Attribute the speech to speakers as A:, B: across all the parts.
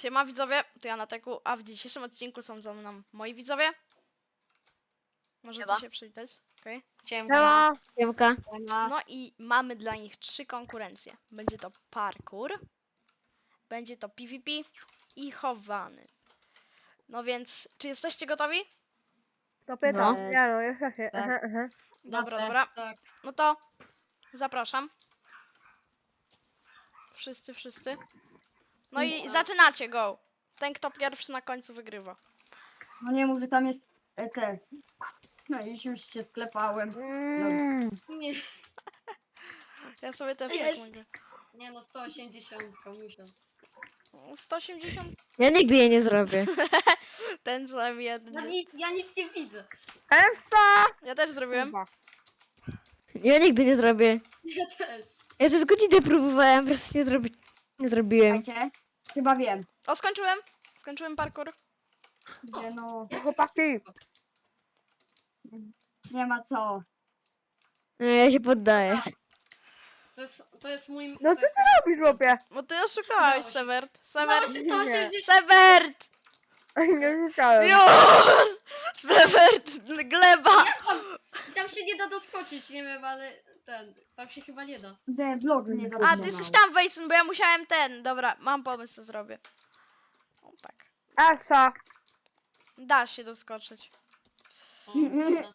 A: Siema widzowie, to ja na teku, a w dzisiejszym odcinku są ze mną moi widzowie. Możecie
B: Siema.
A: się przywitać, okej?
B: Siema. Siemka.
A: No i mamy dla nich 3 konkurencje. Będzie to parkour, będzie to PvP i chowany. No więc, czy jesteście gotowi?
C: To pytam.
B: No.
C: Ja no, jeszcze się.
B: Tak.
A: Dobra,
B: Dobrze,
A: dobra.
B: Tak.
A: No to zapraszam. Wszyscy. No i zaczynacie, go. Ten, kto pierwszy na końcu wygrywa.
B: No nie mów, że tam jest te. No i już się sklepałem.
D: Nie,
A: Ja sobie też tak
D: Jest.
A: mogę.
D: nie no, 180 musiał.
A: 180,
B: Ja nigdy jej nie zrobię.
A: ten sam jedny.
D: Ja nic nie widzę.
C: Esta!
A: Ja też zrobiłem.
B: Ja nigdy nie zrobię.
D: Ja też.
B: Ja też godzinę próbowałem, po prostu nie zrobiłem.
E: Chyba wiem.
A: O, skończyłem. Skończyłem parkour.
E: Gdzie no.
C: Chłopaki!
E: Nie ma co.
B: No, ja się poddaję.
D: To jest mój...
C: No co ty robisz, chłopie?
A: Bo ty oszukałeś,
D: Udało się.
A: Severt.
D: Udało
A: Severt.
D: się 180.
A: Severt!
C: Nie rzucałem.
A: Już! Severt! Gleba!
D: Tam się nie da doskoczyć, nie wiem, ale tam się chyba nie da.
E: Ten vlog mnie
A: A,
E: zatrzymał.
A: ty jesteś tam, Wejsun, bo ja musiałem ten. Dobra, mam pomysł, co zrobię. O, tak.
C: Esa!
A: Da się doskoczyć.
D: O, dobra.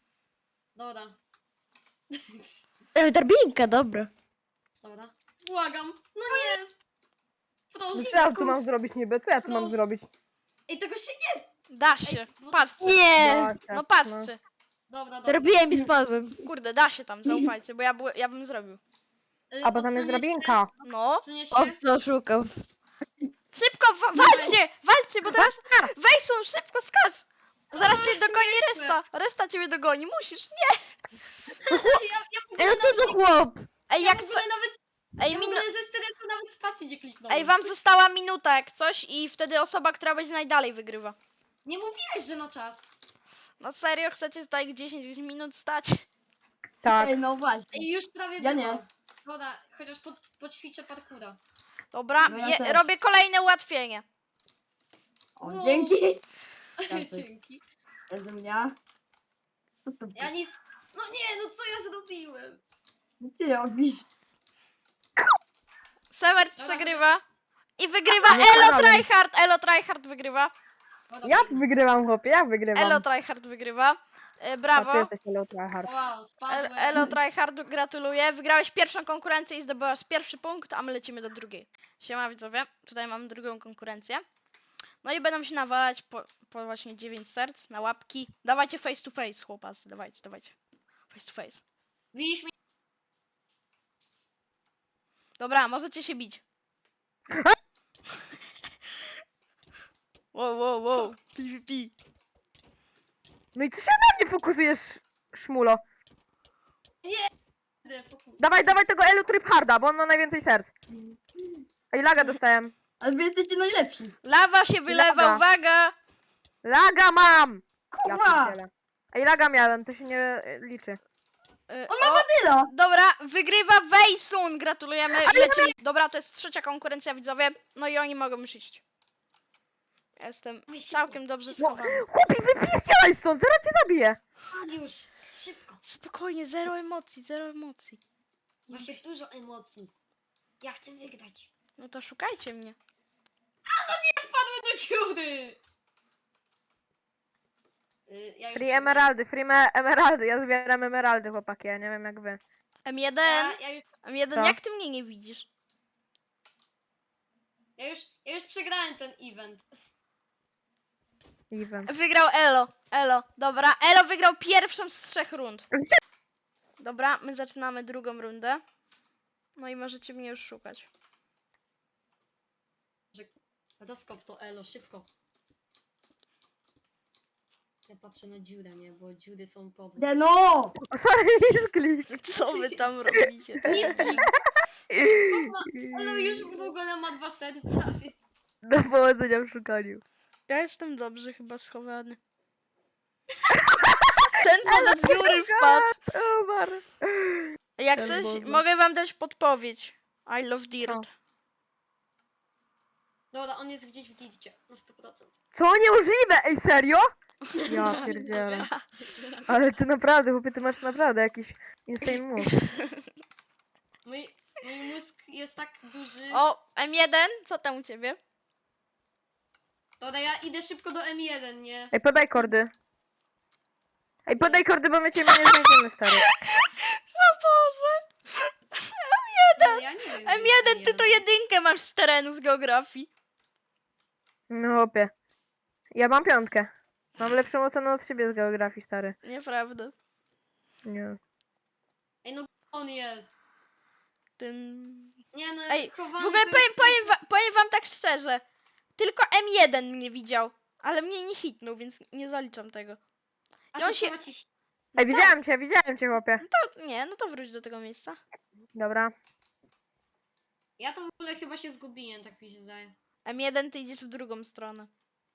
D: Dobra.
B: Drabinka, dobra.
D: Dobra. Błagam. No nie.
C: No
D: Proszę.
C: co ja tu mam zrobić niby? Co ja tu mam zrobić?
D: Ej, tego się nie...
A: Da się.
D: no-
A: Patrzcie.
B: Nie!
C: Zobaczcie,
A: No patrzcie.
D: Dobra.
B: Zrobiłem i spadłem.
A: Kurde, da się tam, zaufajcie, bo ja bym zrobił.
C: A bo tam jest drabinka.
A: No.
B: O, co oszukał.
A: Szybko, walczcie, bo teraz... Wejsun, szybko skacz! Zaraz cię dogoni reszta. Reszta ciebie dogoni, musisz. Nie!
B: Ej, no co za chłop?
A: Ej,
D: Ja
A: jak
D: w
A: co...
D: ogóle nawet...
A: Ej,
D: Ja w ogóle ze stresu nawet spacji nie kliknąłem.
A: Ej, wam została minuta jak coś i wtedy osoba, która będzie najdalej wygrywa.
D: Nie mówiłeś, że na czas.
A: No serio, chcecie tutaj 10 minut stać?
C: Tak.
E: Ej, no właśnie.
D: Ej, już prawie
E: Ja
D: było.
E: nie.
D: Dobra, chociaż poćwiczę parkura.
A: Dobra,
E: No ja też.
A: robię kolejne ułatwienie.
E: O,
D: No.
E: dzięki. jest-
D: Dzięki.
E: Eze mnie. Co to
D: Ja nic... No nie, no co ja zrobiłem?
E: Co ty robisz?
A: Severt
D: Dobra.
A: przegrywa. I wygrywa
C: Nie
A: Elo
C: problem.
A: Tryhard. Elo Tryhard wygrywa.
D: Dobra,
C: Ja wygrywam, chłopie, ja wygrywam.
A: Elo Tryhard wygrywa.
C: A ty
A: Brawo.
C: jesteś Elo Tryhard.
D: Wow, spadłem.
A: Elo Tryhard, gratuluję. Wygrałeś pierwszą konkurencję i zdobyłaś pierwszy punkt, a my lecimy do drugiej. Siema widzowie, tutaj mamy drugą konkurencję. No i będą się nawalać po właśnie 9 serc na łapki. Dawajcie face to face, chłopacy, dawajcie. Face to face.
D: Widzisz mnie?
A: Dobra, możecie się bić. Wow. PvP.
C: No i co się na mnie fokusujesz, szmulo? Dawaj tego Elo Tryharda, bo on ma najwięcej serc. Ej, laga dostałem.
E: Ale wy jesteście najlepsi.
A: Lawa się wylewa,
C: Laga.
A: uwaga!
C: Laga mam! Ja
E: Kurwa!
C: pierdzielę. Ej, laga miałem, to się nie liczy.
E: Tylo!
A: Dobra, wygrywa Wejsun, gratulujemy i lecimy. Dobra, to jest trzecia konkurencja, widzowie. No i oni mogą już iść. Ja jestem całkiem dobrze schowany.
C: Chłopie, wypierdzielaj stąd, zaraz cię zabiję.
D: Już, szybko.
A: Spokojnie, zero emocji.
D: Właśnie dużo emocji. Ja chcę wygrać.
A: No to szukajcie mnie.
D: Padłem do dziury! Ja już
C: Free emeraldy, emeraldy, ja zbieram emeraldy, chłopaki, ja nie wiem jak wy.
A: M1,
D: Ja już,
A: M1,
C: Co?
A: jak ty mnie nie widzisz?
D: ja już przegrałem ten event.
C: Even.
A: Wygrał Elo. Dobra, Elo wygrał pierwszą z 3 rund. Dobra, my zaczynamy drugą rundę. No i możecie mnie już szukać.
D: Doskop to elo, szybko. Ja patrzę na dziurę, nie? Bo dziury są podne.
E: No!
C: O, sorry, sklik.
A: Co wy tam robicie?
D: Elo już w ogóle ma 2 serca.
C: Do powodzenia w szukaniu.
A: Ja jestem dobrze chyba schowany. Ten co do dziury wpadł.
C: O, Mar.
A: Jak
C: Ten
A: coś,
C: Boże.
A: mogę wam dać podpowiedź. I love dirt.
D: Dobra, on jest gdzieś w gildzie, na 100%.
C: Co? Niemożliwe! Ej, serio? Ja pierdzielę. Ale ty naprawdę, chłopie, ty masz naprawdę jakiś insane move.
D: Mój mózg jest tak duży.
A: O, M1, co tam u ciebie?
D: Dobra, ja idę szybko do M1, nie?
C: Ej, podaj kordy. Ej, podaj kordy, bo my cię nie znajdziemy, stary.
A: O Boże!
D: No, ja nie wiem. gdzie jest
A: M1, ty to jedynkę masz z terenu, z geografii.
C: No chłopie. Ja mam 5. Mam lepszą ocenę od ciebie z geografii, stary.
A: Nieprawda.
C: Nie.
D: Ej, no on jest.
A: Tym...
D: Nie no,
A: Ej, w
D: chowany
A: ogóle
D: to jest-
A: powiem wam tak szczerze. Tylko M1 mnie widział, ale mnie nie hitnął, więc nie zaliczam tego.
D: A
A: i on
D: to
A: się-
D: trzeba ci-
C: Ej, widziałem cię, chłopie.
A: Nie, no to wróć do tego miejsca.
C: Dobra.
D: Ja to w ogóle chyba się zgubiłem, tak mi się zdaje.
A: M1, ty idziesz w drugą stronę.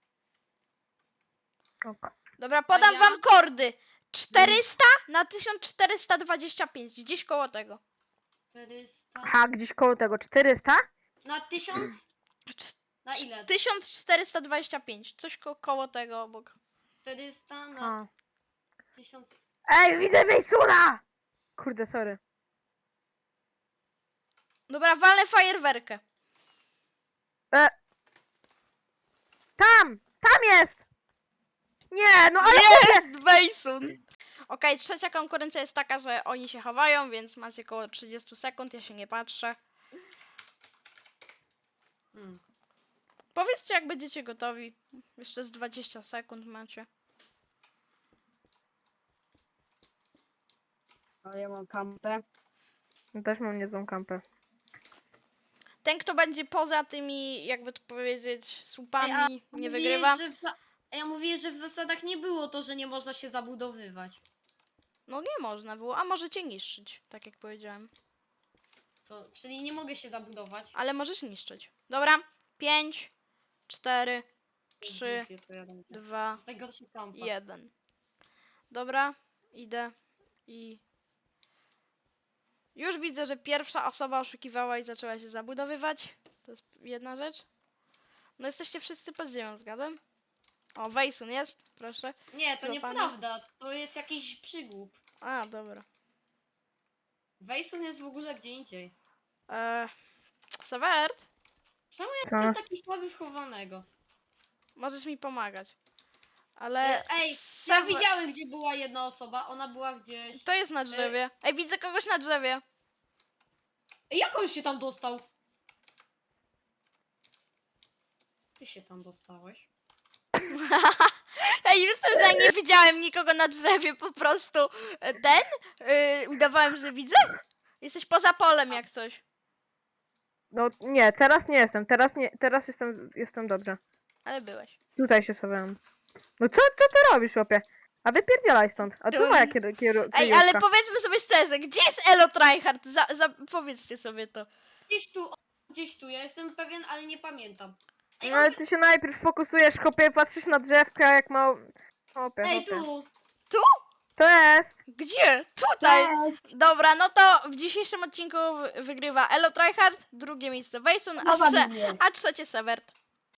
C: Ok.
A: Dobra, podam
D: ja?
A: wam kordy. 400 na 1425, gdzieś koło tego.
D: 400...
C: Aha, gdzieś koło tego. 400?
D: Na 1000?
A: Cz-
D: Na ile?
A: 1425, coś koło tego obok.
D: 400 na
C: A.
D: 1000...
C: Ej, widzę Wejsuna! Kurde, sorry.
A: Dobra, walę fajerwerkę.
C: Tam! Tam jest! Nie, no ale
A: Jest Wejsun! Okej, trzecia konkurencja jest taka, że oni się chowają, więc macie około 30 sekund, ja się nie patrzę.
D: Hmm.
A: Powiedzcie, jak będziecie gotowi. Jeszcze z 20 sekund macie.
E: Ale ja mam kampę.
C: Też mam niezłą kampę.
A: Ten, kto będzie poza tymi, jakby to powiedzieć, słupami,
D: Ej, a
A: nie
D: mówiłeś,
A: wygrywa.
D: Ja mówię, że w zasadach nie było to, że nie można się zabudowywać.
A: No nie można było, a możecie niszczyć, tak jak powiedziałem.
D: To, czyli nie mogę się zabudować.
A: Ale możesz niszczyć. Dobra, 5, 4, 3,
D: To ja dam-
A: 2,
D: Z tego się kampa.
A: 1. Dobra, idę i... Już widzę, że pierwsza osoba oszukiwała i zaczęła się zabudowywać. To jest jedna rzecz. No jesteście wszyscy pod ziemią, zgadłem? O, Wejsun jest, proszę.
D: Nie, to
A: Złapany.
D: nieprawda. To jest jakiś przygłup.
A: A, dobra.
D: Wejsun jest w ogóle gdzie indziej.
A: Severt,
D: Czemu ja
C: Co?
D: jestem taki słaby w chowanego?
A: możesz mi pomagać. Ale...
D: Ej, ja
A: Sever-
D: widziałem, gdzie była jedna osoba. Ona była gdzieś...
A: To jest na drzewie. Ej, widzę kogoś na drzewie.
D: Ej, jak on się tam dostał? Ty się tam dostałeś?
A: Ej, jestem za nie widziałem nikogo na drzewie, po prostu udawałem, że widzę. Jesteś poza polem jak coś.
C: No nie, teraz nie jestem. Teraz jestem dobrze.
A: Ale byłeś.
C: Tutaj się schowałem. No co ty robisz, chłopie? A wypierdzielaj stąd. A co moja
A: Ej, ale powiedzmy sobie szczerze, gdzie jest Elo Tryhard? Powiedzcie sobie to.
D: Gdzieś tu. Ja jestem pewien, ale nie pamiętam. Ej,
C: No ale ty się najpierw fokusujesz, chłopie, patrzysz na drzewka jak mało... Chłopie,
D: Ej,
C: chłopie.
D: tu!
C: To jest!
A: Gdzie? Tutaj.
E: Cześć.
A: Dobra, no to w dzisiejszym odcinku wygrywa Elo Tryhard, drugie miejsce Wejsun,
E: Chowa mnie.
A: a trzecie Severt.